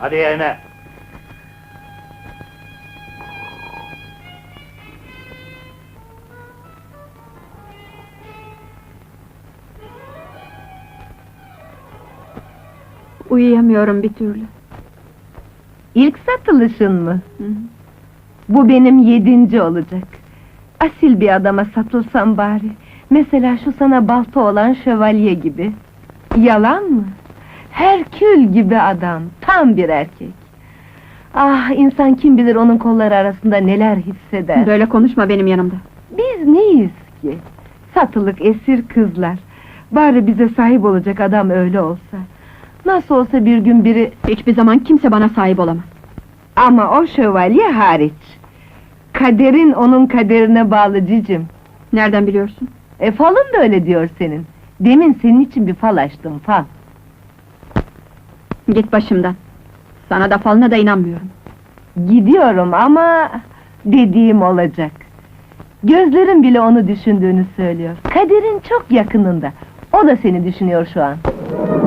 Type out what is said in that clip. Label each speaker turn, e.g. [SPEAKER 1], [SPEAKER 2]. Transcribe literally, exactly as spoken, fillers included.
[SPEAKER 1] Hadi yerine!
[SPEAKER 2] Uyuyamıyorum bir türlü.
[SPEAKER 3] İlk satılışın mı?
[SPEAKER 2] Hı hı.
[SPEAKER 3] Bu benim yedinci olacak. Asil bir adama satılsam bari. Mesela şu sana balta olan şövalye gibi. Yalan mı? Herkül gibi adam, tam bir erkek. Ah, insan kim bilir onun kolları arasında neler hisseder.
[SPEAKER 2] Böyle konuşma benim yanımda.
[SPEAKER 3] Biz neyiz ki? Satılık esir kızlar. Bari bize sahip olacak adam öyle olsa. Nasıl olsa bir gün biri...
[SPEAKER 2] Hiçbir zaman kimse bana sahip olamaz.
[SPEAKER 3] Ama o şövalye hariç. Kaderin onun kaderine bağlı cicim.
[SPEAKER 2] Nereden biliyorsun?
[SPEAKER 3] E falın da öyle diyor senin. Demin senin için bir fal açtım, fal.
[SPEAKER 2] Git başımdan. Sana da falına da inanmıyorum.
[SPEAKER 3] Gidiyorum ama... dediğim olacak. Gözlerin bile onu düşündüğünü söylüyor. Kaderin çok yakınında. O da seni düşünüyor şu an.